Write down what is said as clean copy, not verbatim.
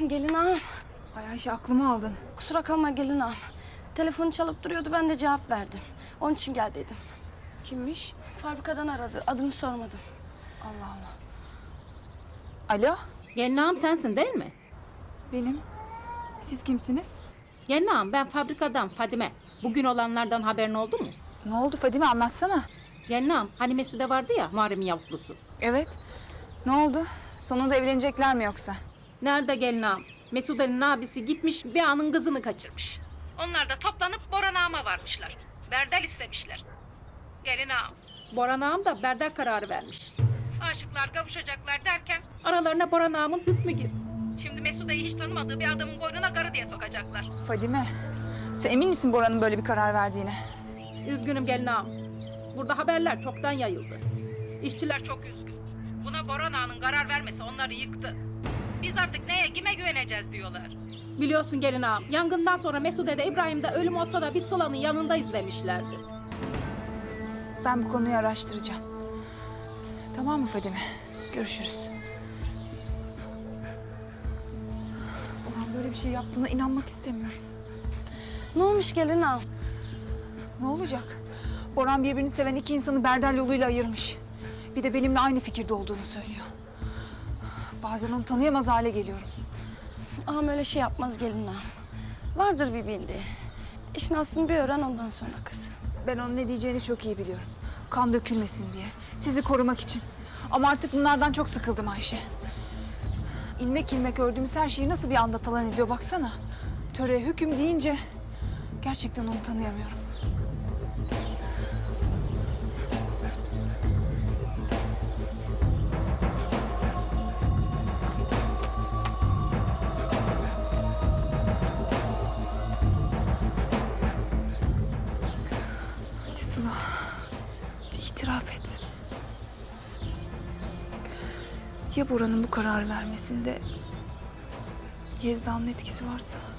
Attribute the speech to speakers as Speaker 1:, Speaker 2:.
Speaker 1: gelin ağam.
Speaker 2: Ay Ayşe aklımı aldın.
Speaker 1: Kusura kalma gelin ağam. Telefonu çalıp duruyordu, ben de cevap verdim. Onun için gel dedim.
Speaker 2: Kimmiş?
Speaker 1: Fabrikadan aradı, adını sormadım.
Speaker 2: Allah Allah. Alo,
Speaker 3: Gelin ağam sensin değil mi?
Speaker 2: benim. Siz kimsiniz?
Speaker 3: Gelin ağam ben fabrikadan Fadime. Bugün olanlardan haberin oldu mu?
Speaker 2: Ne oldu Fadime, anlatsana.
Speaker 3: Gelin ağam hani Mesude vardı ya Muharrem'in yavuklusu.
Speaker 2: Evet. Ne oldu? Sonunda evlenecekler mi yoksa?
Speaker 3: Nerede gelin ağam? Mesude'nin abisi gitmiş bir anın kızını kaçırmış. Onlar da toplanıp Boran ağama varmışlar. Berdel istemişler. Gelin ağam. Boran ağam da berdel kararı vermiş. Aşıklar kavuşacaklar derken aralarına Boran ağamın hükmü girdi. Şimdi Mesude'yi hiç tanımadığı bir adamın boynuna karı diye sokacaklar.
Speaker 2: Fadime, sen emin misin Bora'nın böyle bir karar verdiğine?
Speaker 3: Üzgünüm gelin ağam. Burada haberler çoktan yayıldı. İşçiler çok üzgün. Buna Boran ağanın karar vermesi onları yıktı. Biz artık neye, kime güveneceğiz diyorlar. Biliyorsun gelin ağam, yangından sonra Mesude de İbrahim de ölüm olsa da biz Sıla'nın yanındayız demişlerdi.
Speaker 2: Ben bu konuyu araştıracağım. Tamam mı Fadime? Görüşürüz. Boran böyle bir şey yaptığına inanmak istemiyorum.
Speaker 1: Ne olmuş gelin ağam?
Speaker 2: Ne olacak? Boran birbirini seven iki insanı Berdel yoluyla ayırmış. Bir de benimle aynı fikirde olduğunu söylüyor. Bazen onu tanıyamaz hale geliyorum.
Speaker 1: Ağam öyle şey yapmaz gelin ağam. Vardır bir bildiği. İşin aslını bir öğren, ondan sonra kız.
Speaker 2: Ben onun ne diyeceğini çok iyi biliyorum. Kan dökülmesin diye, sizi korumak için. Ama artık bunlardan çok sıkıldım Ayşe. İlmek ilmek ördüğümüz her şeyi nasıl bir anda talan ediyor baksana. Töre, hüküm deyince gerçekten onu tanıyamıyorum. Hadi Sıla, itiraf et. Ya Bora'nın bu kararı vermesinde Yezda'nın etkisi varsa?